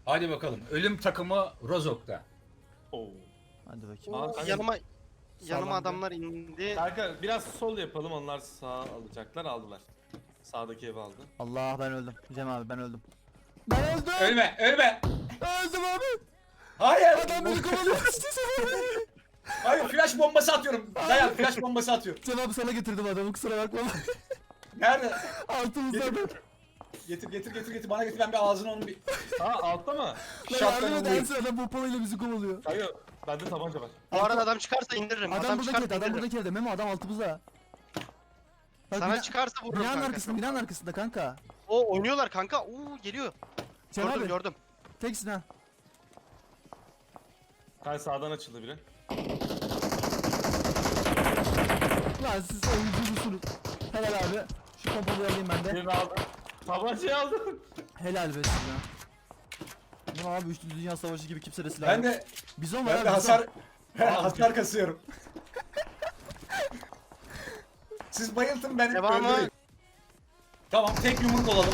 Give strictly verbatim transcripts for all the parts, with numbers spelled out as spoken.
Hadi bakalım. Ölüm takımı Rozok'ta. Oo. Hadi bakayım. Aa, Oo, kanka- yanıma yanıma Sağlam adamlar indi. Kanka biraz sol yapalım, onlar sağ alacaklar, aldılar. Sağdaki evi aldı. Allah ben öldüm. Cem abi ben öldüm. Ben öldüm. Ölme, ölme. Öldüm abi. Hayır. Adam beni kovalıyor. Hayır, flash bombası atıyorum. Dayan, flash bombası atıyorum. Cem abi sana getirdim adamı kusura bakma. Nerede? Altımızda adam. Getir, getir, getir, getir. Bana getir. Ben bir ağzını onun bir Aa, altta mı? Lan şapkanı yardım et vurayım. Ersin adam pompalıyla bizi kovalıyor. Kanka bende tabanca var. Bu arada adam çıkarsa indiririm. Adam, Adam, buradaki çıkarsa evde adam indiririm. buradaki evde Memo adam altımızda. Bak, Sana bina- çıkarsa vururum Binanın kanka. arkasında binanın arkasında kanka. O oynuyorlar kanka. Oo geliyor. Cem gördüm abi gördüm. teksin ha. Kanka sağdan açıldı biri. Lan siz oyuncu musunuz? Helal abi. Şu pompalıyı alayım ben de. Birini aldım. Tabancayı aldım. Helal be size. Ne abi üçlü dünya savaşı gibi kimse de silah Ben yok. de Bizon var ben abi de bizon. hasar hasar kasıyorum. Siz bayıltın, ben Devamı. öldüreyim. Tamam, tek yumruk olalım.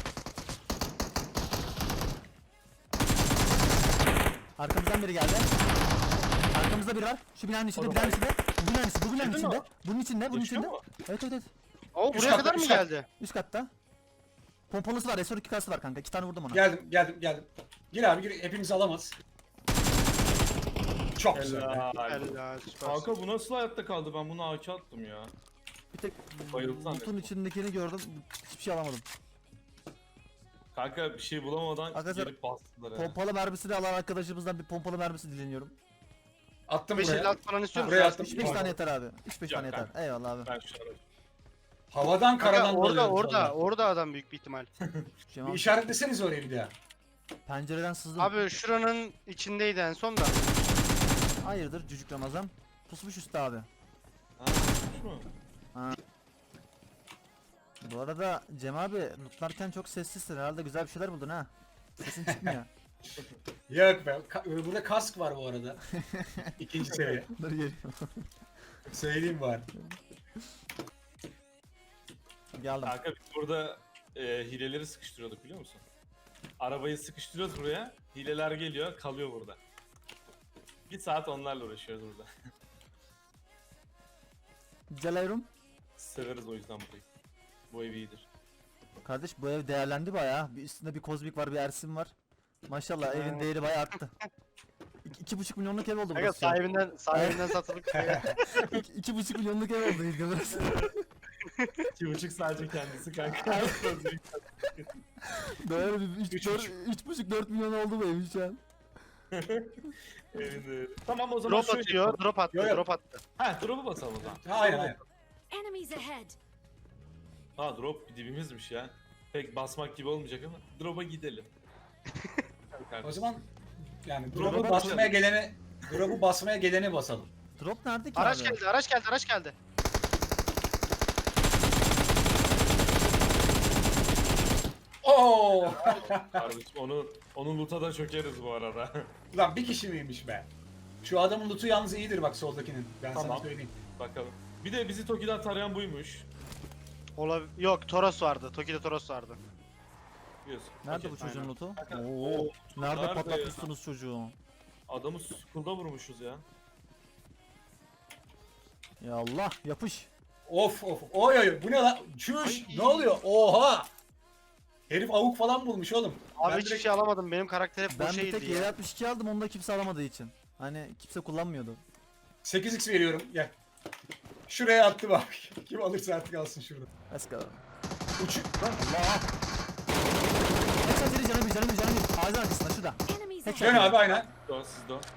Arkamızdan biri geldi. Arkamızda biri var. Şu binanın içinde, O da binanın var. içinde. Bu binanın içinde, bu binanın Girdin mi içinde. o? Bunun içinde, bunun Yaşıyor içinde. mu? Evet evet evet. Oo Üst buraya katta, kadar mı üst kat. geldi? Üst katta. Pompalısı var, S on iki kası var kanka. İki tane vurdum ona. Geldim, geldim, geldim. Gir abi, gir. Hepimiz alamaz. Çok güzel. be. Helal. Helal süpersin. Kanka bu nasıl hayatta kaldı? Ben bunu A K attım ya. Bir tek Bayıldı butun zannettim. içindekini gördüm. Hiçbir şey alamadım. Kanka bir şey bulamadan Arkadaşlar, gelip bastılar ya. Pompalı mermisi de alan arkadaşımızdan bir pompalı mermisi dileniyorum. Attım beş buraya. elli altı falan istiyor musun? Buraya attım. üç beş tane yeter abi. üç beş Yok tane yeter. kanka. Eyvallah abi. Ben şu an Havadan Kanka karadan orada dalıyorum orada vallahi. orada adam büyük bir ihtimal. Şey Bir var. işaretleseniz oraya bir daha. Pencereden sızdım. Abi şuranın içindeydi en son da. Hayırdır cücük Ramazan. Pusmuş üstte abi. Ha, tutmuş mu? Bu arada Cem abi lootlarken çok sessizsin. Herhalde güzel bir şeyler buldun ha. Sesin çıkmıyor. Yok be. Ka- burada kask var bu arada. İkinci seviye. Dur geliyorum. Söyleyeyim bari. Geldim. Kanka biz burada e, hileleri sıkıştırıyorduk biliyor musun? Arabayı sıkıştırıyoruz buraya. Hileler geliyor, kalıyor burada. Bir saat onlarla uğraşıyoruz burada. Celayrum. Severiz o yüzden burayı. Bu ev iyidir. Kardeş bu ev değerlendi bayağı. Bir üstünde bir kozmik var, bir Ersin var. Maşallah evin değeri bayağı arttı. İki, iki buçuk milyonluk ev oldu Kanka burası. sahibinden sahibinden satılıp İki, iki buçuk milyonluk ev oldu ilk burası. İki buçuk sadece kendisi kanka. Böyle bir üç, Üç dört, buçuk. üç buçuk dört milyon oldu bu evin şu an. Evin değeri. Tamam o zaman drop şöyle atıyor. yapalım. Drop attı. Yo, yo. Drop attı. Ha drop'u basalım o zaman. Ha, aynen aynen. Enemies ahead. Ha drop dibimizmiş ya. Pek basmak gibi olmayacak ama drop'a gidelim. O zaman yani Drop'a drop'u basmaya basalım. gelene drop'u basmaya gelene basalım. Drop nerede ki Araç abi? geldi, araç geldi, araç geldi. Oo! Kardeşim onu onun loot'a da çökeriz bu arada. Lan bir kişi miymiş be? Şu adamın loot'u yalnız iyidir bak soldakinin. Ben sana Tamam. söyleyeyim. Bakalım. Bir de bizi Toki'den tarayan buymuş. Olab Yok, Toros vardı. Toki'de Toros vardı. Biliyorsun. Nerede Okey. bu çocuğun aynen. lootu? Kanka, Oo. o- Nerede nerede patlatmışsınız çocuğu? Adamı school'da vurmuşuz ya. Ya Allah yapış. Of of. Oy oy. Bu ne lan? Çüş. Ay. Ne oluyor? Oha! Herif avuk falan bulmuş oğlum. Abi Ben hiçbir direkt şey alamadım. Benim karakter hep Ben boşa bir tek iyiydi yedi ya. altmış iki aldım onu da kimse alamadığı için. Hani kimse kullanmıyordu. sekiz x veriyorum. Gel. Şuraya attı bak. Kim alırsa artık alsın şurada. Let's go. Uçuk. Allah. Headshot yedi canım bir canım bir canım bir. Ağzın arkasında şurada. Enemies Headshot. Dön abi aynen. Sizde o sizde o.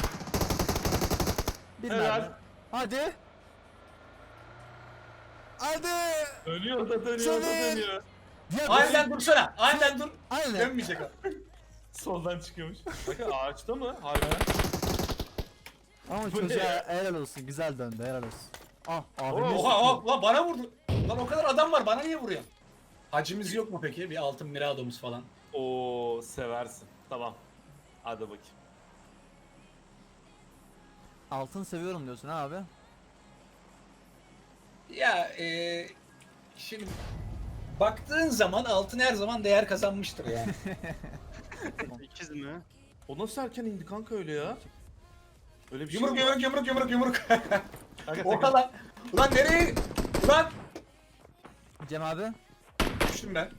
Bir Helal. mermi. Hadi. Hadi. Dönüyor da dönüyor da Soner. dönüyor. Ya Aynen dursana. Aynen dur. Aynen. Dönmeyecek o. Soldan çıkıyormuş. Bakın ağaçta mı? Harbiden. Ama Bu ne çocuğa ya? helal olsun. Güzel döndü helal olsun. Ah abi. Oo, Oha oha lan bana vurdu. Lan o kadar adam var bana niye vuruyor? Hacimiz yok mu peki? Bir altın miradomuz falan. Oo seversin. Tamam. Hadi bakayım. Altın seviyorum diyorsun ha abi. Ya eee şimdi baktığın zaman altın her zaman değer kazanmıştır yani. İkiz İndi mi? O nasıl erken indi kanka öyle ya? Öyle bir şey Yumruk mi var? yumruk yumruk yumruk yumruk. Kanka, Oha sakın. lan. Ulan nereye? Ulan. Cem abi. Düştüm ben.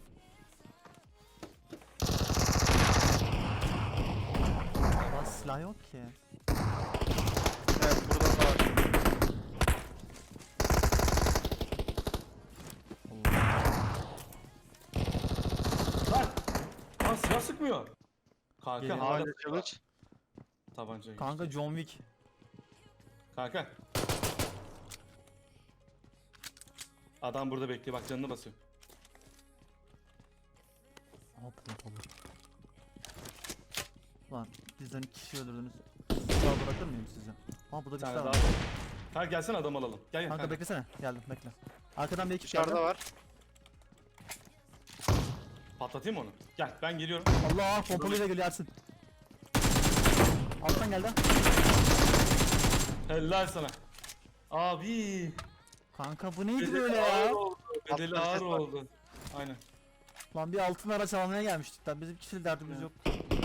Aa, silah yok ki. Evet burada da var. Lan! Lan silah sıkmıyor. Kanka Geliyor. hala Hala kılıç. tabanca. Kanka John Wick. Kanka. Adam burada bekliyor bak canını basıyor. Aa pompalı. Lan bizden iki kişi öldürdünüz. Sağ bırakır mıyım size? Aa burada bir Bir tane silah daha var. var. Kanka gelsene adam alalım. Gel gel Kanka kanka. beklesene. Geldim bekle. Arkadan bir ekip geldi. Dışarıda var. Patlatayım mı onu? Gel ben geliyorum. Allah pompalıyla geliyor Ersin. Alttan geldi. Helal sana. Abi. Kanka bu neydi Bedeli böyle ağır ya? oldu. Bedeli Atlar ağır ses var. oldu. Aynen. Lan bir altın araç almaya gelmiştik lan. Bizim kişilik derdimiz yok.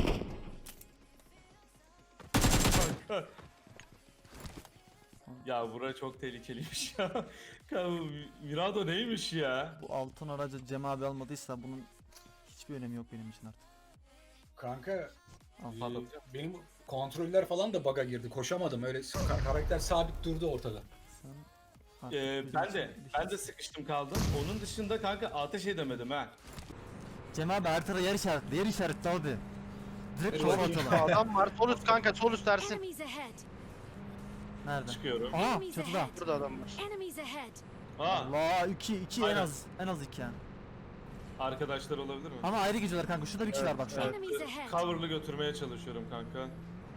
Ya bura çok tehlikeliymiş ya. Kanka bu Mirado neymiş ya? Bu altın aracı Cem abi almadıysa bunun hiçbir önemi yok benim için artık. Kanka. Al. e, Patlatacağım. benim kontroller falan da bug'a girdi. Koşamadım. Öyle ka- karakter sabit durdu ortada. Sen artık Ee, bizim ben için de bir şey- ben de sıkıştım kaldım. Onun dışında kanka ateş edemedim ha. Cem abi haritada yer işaretli. Yer işaretli abi. Direkt Evet, kafa bakayım. atalım. Adam var. Sol üst kanka sol üst Ersin. Enemies ahead. Nerede? Çıkıyorum. Aa Enemies çatıda. ahead. Burada adam var. Enemies ahead. Ha, Allah iki iki en Aynen. az en az iki yani. arkadaşlar olabilir mi? Ama ayrı gidiyorlar kanka. Şurada bir kişi var bak şu an. Enemies ahead. Cover'lı götürmeye çalışıyorum kanka.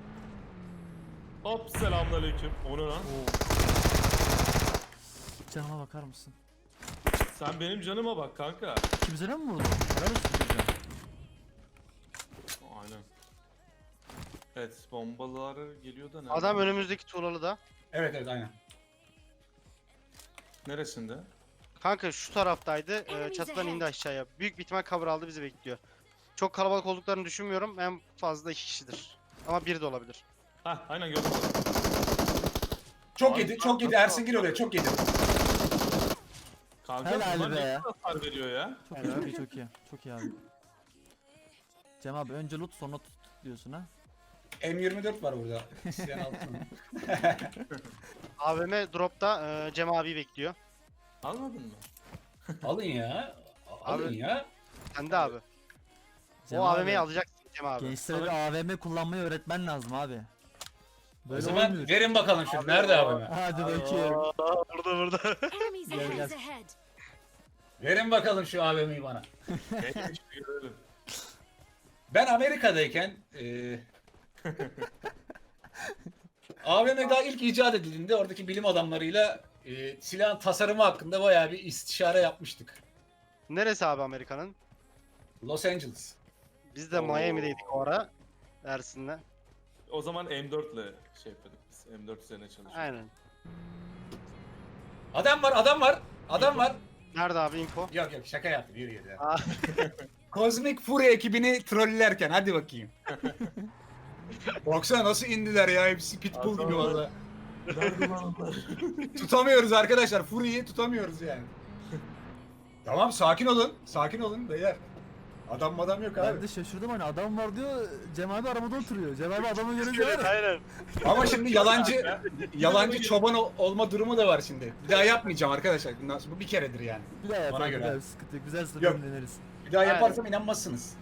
Hop selamünaleyküm. O ne lan? Canıma bakar mısın? Sen benim canıma bak kanka. Kimsene mi vurdun? Helal olsun çocuğa. Aynen. Evet bombalar geliyor da nerede? Adam önümüzdeki tuğlalı da. Evet evet aynen. Neresinde? Kanka şu taraftaydı. Ee, Enemies çatıdan ahead. indi aşağıya. Büyük bir ihtimal cover aldı bizi bekliyor. Çok kalabalık olduklarını düşünmüyorum. En fazla iki kişidir. Ama biri de olabilir. Hah aynen gördüm. Çok Abi, yedi, çok yedi. nasıl- Ersin gir oraya, çok yedi. Kanka Helal bunlar be. ne kadar hasar veriyor ya? Çok iyi, çok iyi, çok iyi. Çok iyi abi. Cem abi önce loot sonra tut diyorsun ha. M yirmi dört var burada. İsteyen altın. A V M dropta e, Cem abi bekliyor. Almadın mı? Alın ya. Alın Abi- ya. Sen de abi. Cem O abi, A V M'yi alacaksın Cem abi. Gençlere bir A V M kullanmayı öğretmen lazım abi. O Böyle zaman olmuyor. verin bakalım şunu. Nerede abi? Hadi bakayım. Aa, burada burada. Enemies Gel, gel. ahead. ahead. Verin bakalım şu A V M'yi bana. Neymiş bir görelim. Ben Amerika'dayken eee A V M daha ilk icat edildiğinde oradaki bilim adamlarıyla eee silahın tasarımı hakkında bayağı bir istişare yapmıştık. Neresi abi Amerika'nın? Los Angeles. Biz de Oo. Miami'deydik o ara. Ersin'le. O zaman M dört ile şey yapıyorduk biz. M dört üzerine çalışıyorduk. Aynen. Adam var, adam var. Adam var. Nerede abi info? Yok yok şaka yaptım. Yürü yürü. Aa. Cosmic Fury ekibini trollerken hadi bakayım. Baksana nasıl indiler ya hepsi pitbull gibi Adam- valla. Nerede lan onlar? Tutamıyoruz arkadaşlar. Fury'yi tutamıyoruz yani. Tamam sakin olun. Sakin olun beyler. Adam madam yok Ben abi. de şaşırdım hani adam var diyor Cem abi arabada oturuyor. Cem abi adamı görünce var ya. Aynen. Ama şimdi yalancı yalancı çoban ol- olma durumu da var şimdi. Bir daha yapmayacağım arkadaşlar. Bundan sonra bu bir keredir yani. Bir daha yapalım. Bana Bir göre. daha sıkıntı yok. Güzel Yok. sınırını deneriz. Bir daha Aynen. yaparsam inanmazsınız.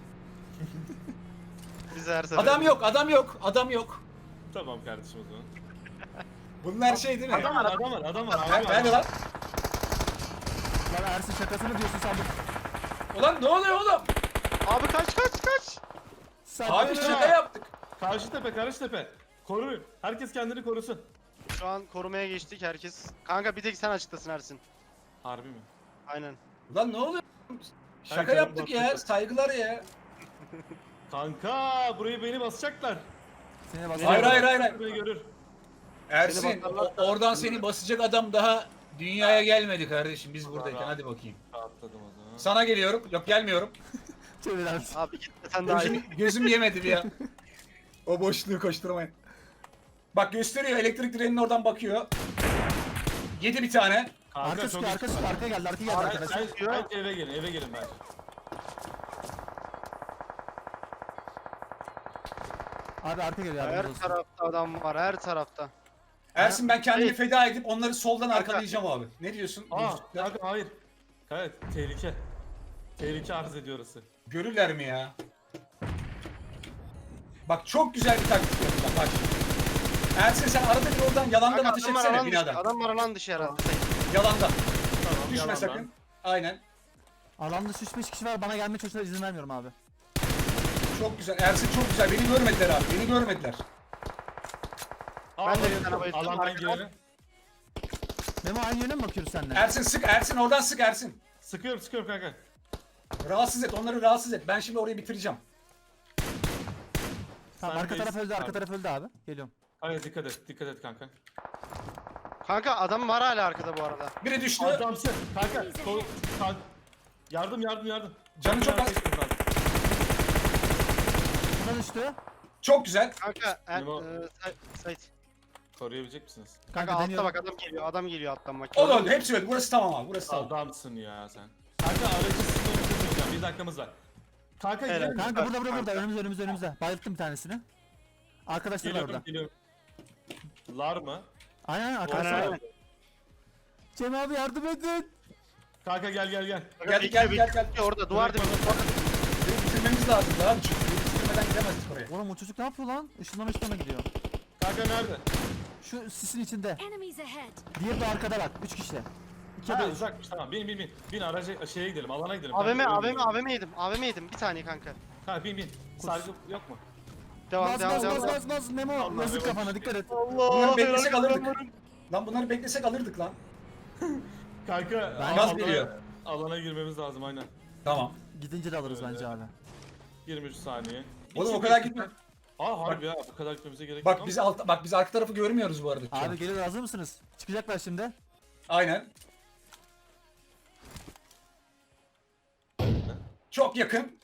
Biz her sefer. Adam yok, adam yok, adam yok. Tamam kardeşim o zaman. Bunlar şey değil mi? Adam var adam var adam var. Ha, Adam var. Nerede lan? Lan Ersin şakasını diyorsun sandım. Ulan ne oluyor oğlum? Abi kaç kaç kaç. Sen Abi böyle- şaka yaptık. Karşı tepe karşı tepe. Koruyun. Herkes kendini korusun. Şu an korumaya geçtik herkes. Kanka bir tek sen açıklasın Ersin. Harbi mi? Aynen. Ulan ne oluyor? Şaka Herkes yaptık ya. bakıyor. Saygılar ya. Kanka burayı beni basacaklar. Seni bas. Hayır hayır hayır. hayır. Beni görür. Ersin Seni bakarlar- o- oradan seni basacak adam daha dünyaya gelmedi kardeşim biz buradayken hadi bakayım. Atladım o zaman. Sana geliyorum. Yok gelmiyorum. Çevir Ersin. Abi gitme sen daha iyi. Gözüm, gözüm yemedi bir ya. O boşluğu koşturmayın. Bak gösteriyor, elektrik direğinin oradan bakıyor. Yedi bir tane. Kanka Arka çok sıkıyor, arka sıkıyor, arka geldi, arka geldi Ben, arkadaşlar. ben, ben eve gelin, eve gelin ben. Abi arka geliyor Her yardımcı olsun. tarafta adam var, her tarafta. Ersin ben kendimi Hayır. feda edip onları soldan Kanka. arkalayacağım abi. Ne diyorsun? Aa, Boşlukta. kanka hayır. Evet, tehlike. Tehlike arz ediyor orası. Görürler mi ya? Bak çok güzel bir taktik yapacağım bak şimdi. Ersin sen arada bir oradan yalandan Kanka, ateş adam var etsene alan dışı, binadan. adam var alan dışı herhalde. Yalandan. Tamam, Düşme yalandan. sakın. Aynen. Alanda üç beş kişi var, bana gelmeye çalışıyorlar, izin vermiyorum abi. Çok güzel. Ersin çok güzel. Beni görmediler abi. Beni görmediler. Aa, Ben de bir bayıldım. tane bayıldım. Alandan Arkadan- girelim. Memo aynı yöne mi bakıyoruz seninle? Ersin sık. Ersin oradan sık Ersin. Sıkıyorum, sıkıyorum kanka. Rahatsız et. Onları rahatsız et. Ben şimdi orayı bitireceğim. Tamam, Sen arka de taraf iz- öldü, arka Abi. taraf öldü abi. Geliyorum. Hayır dikkat et, dikkat et kanka. Kanka adam var hala arkada bu arada. Biri düştü. Adamsın. Kanka, sol, sağ. Yardım, yardım, yardım. Canı çok az. Yardım etmem lazım. Buna düştü. Çok güzel. Kanka, e, Memo. e, Sa- Sait. Koruyabilecek misiniz? Kanka Kanka altta deniyorum. bak adam geliyor, adam geliyor alttan bak. O da öldü. Hepsi öldü. Burası tamam abi. Burası tamam. Adamsın ya sen. Kanka aracı sınırını tutmayacağım. Bir dakikamız var. Kanka Helal. gidelim mi? Kanka burada burada burada, Kanka. önümüzde önümüzde önümüzde. Bayılttım bir tanesini. Arkadaşlar var burada. Geliyorum, geliyorum. Lar mı? Aynen aynen, arkadaşlar Aynen, var. aynen. Cem abi yardım edin. Kanka gel gel gel. Gel, Bekle, gel, gel, bekle. gel. Orada duvar dibinde. Burayı bitirmemiz lazım daha abi. Çünkü burayı bitirmeden gidemezdik oraya. Oğlum o çocuk ne yapıyor lan? Işından ışınlana gidiyor. Kanka nerede? Şu sisin içinde. Enemies ahead. Diğeri de arkada bak. Üç kişi. İki Ha de üç. uzakmış tamam bin bin bin. Bin araca şeye gidelim alana gidelim. A V M, Kanka, A V M, öyle A V M yedim. A V M yedim. Bir saniye kanka. Ha bin bin. Sargı yok mu? Devam, Bas devam, bas devam. bas devam. bas bas Memo. Allah Yazık Memo. kafana, dikkat et. Bunları beklesek helal alırdık. olsun. Lan bunları beklesek alırdık lan. Kanka Ben- Gaz alana- geliyor. Alana girmemiz lazım aynen. Tamam. Gidince de alırız Öyle. bence abi. yirmi üç saniye. Oğlum o İki- kadar gitme. Aa harbi ya bu kadar gitmemize gerek yok Bak ama. biz alt, bak biz arka tarafı görmüyoruz bu arada. şu an. Abi geliyor, hazır mısınız? Çıkacaklar şimdi. Aynen. Çok yakın.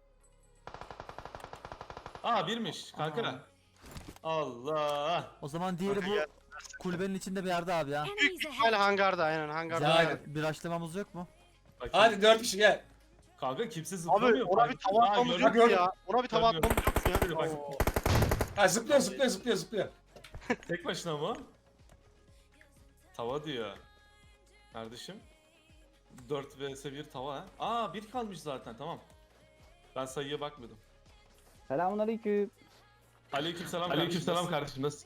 Aa birmiş kanka. Aa. Allah. O zaman diğeri Kanka bu gel. kulübenin içinde bir yerde abi ya. Enemies Hala ahead. hangarda, aynen hangarda. Ya Aynen. bir açlamamız yok mu? Bakayım. Hadi dört kişi gel. Kanka kimse Abi zıplamıyor. ona bir tava Aa, atmamız gördüm. yok mu gördüm. ya? Ona bir tava Görmüyorum. atmamız yok mu Şöyle ya? bak. Oo. Ha zıplıyor zıplıyor zıplıyor zıplıyor. Tek başına mı? Tava diyor. Kardeşim. dört vs bir tava ha. Aa bir kalmış zaten tamam. Ben sayıya bakmadım. Selamünaleyküm. Aleykümselam Aleykümselam kardeşim nasılsın?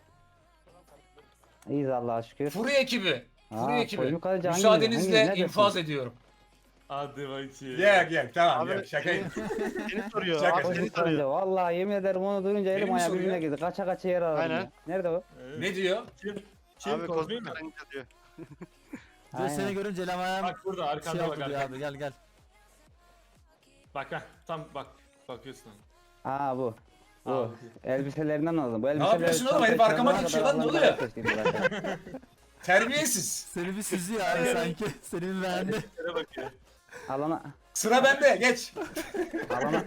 İyiyiz Allah'a şükür. Furi ekibi. Furi Aa, ekibi. Koyun Kaleci hangi- Müsaadenizle hangi- neredesin? infaz ediyorum. Hadi bakayım. Gel gel tamam Abi, gel şakayım. Seni soruyor. Şaka. Abi Koyun seni Kaleci. soruyor. Vallahi yemin ederim onu duyunca Beni elim mi ayağı soruyor? birbirine girdi. Kaça kaça yer aradım. Aynen. ya. Nerede o? Evet. Ne diyor? Kim? Kim Abi Kozmi mi? kozmik karınca diyor. Diyor seni Aynen. görünce elim ayağım Bak burada şey arkanda oldu bak diyor arkanda. abi, gel gel. Bak ha tam bak. Bakıyorsun. Aa bu. Bu. Aa, Elbiselerinden aldım. Bu elbiseleri yapıyorsun oğlum? çantaya Herif arkama çıkarana geçiyor kadar lan, ne adamlar oluyor? keşke zaten. Terbiyesiz. Seni bir süzüyor abi sanki. Seni bir beğendi. Şöyle bakıyor. Alana. Sıra bende geç. Alana.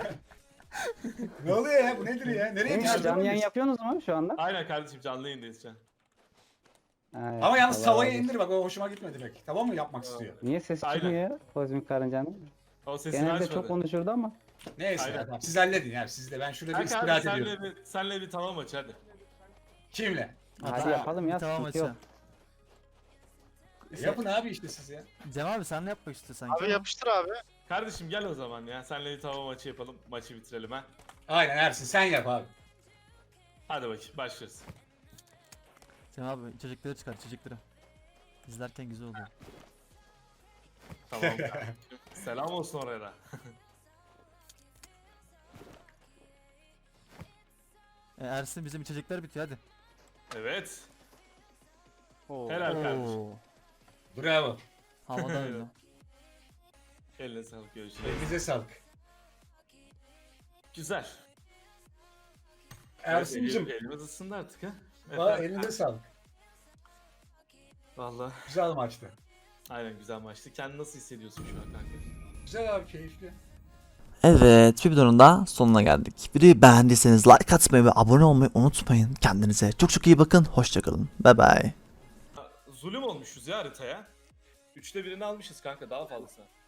Ne oluyor ya? Bu nedir ya? Nereye Değil mi ya, düştün? canlı yayın yapıyorsunuz mu şu anda? Aynen kardeşim canlı yayındayız şu an. Evet, Ama yalnız Allah tavayı razı olsun. indir bak, o hoşuma gitmedi pek. Tamam mı yapmak istiyor? Niye ses Aynen. çıkmıyor ya? Kozmik karıncanın. O sesini Genelde açmadı. çok konuşurdu ama. Neyse Aynen. tamam. Siz halledin yani, siz de ben şurada bir Kanka abi istirahat ediyorum. senle bir, senle bir tamam aç hadi. Kimle? Hadi Hatta yapalım ya, bir Tamam sıkıntı yok. açalım. E, yapın abi işte siz ya. Cem abi sen ne yapmak istiyorsun sanki? Abi yapıştır abi. Kardeşim gel o zaman ya. Senle bir tamam maçı yapalım. Maçı bitirelim ha. Aynen Ersin sen yap abi. Hadi bakayım başlıyoruz. Cem abi çocukları çıkar, çocukları. İzlerken güzel oluyor. Tamam kardeşim. Selam olsun oraya da. E, Ersin bizim içecekler bitiyor hadi. Evet. Oo. Helal kardeşim. Oo, Bravo. havada öyle. Eline sağlık görüşürüz. Elinize sağlık. Güzel. Ersin'cim. Evet, elimiz ısındı artık ha. Aa, Efendim? elinize sağlık. Vallahi Güzel maçtı. aynen güzel maçtı. Kendini nasıl hissediyorsun şu an kanka? Güzel abi, keyifli. Evet, bir videonun da sonuna geldik. Videoyu beğendiyseniz like atmayı ve abone olmayı unutmayın. Kendinize çok çok iyi bakın. Hoşçakalın. Bye bye. Zulüm olmuşuz ya haritaya. Üçte birini almışız kanka, daha fazlası.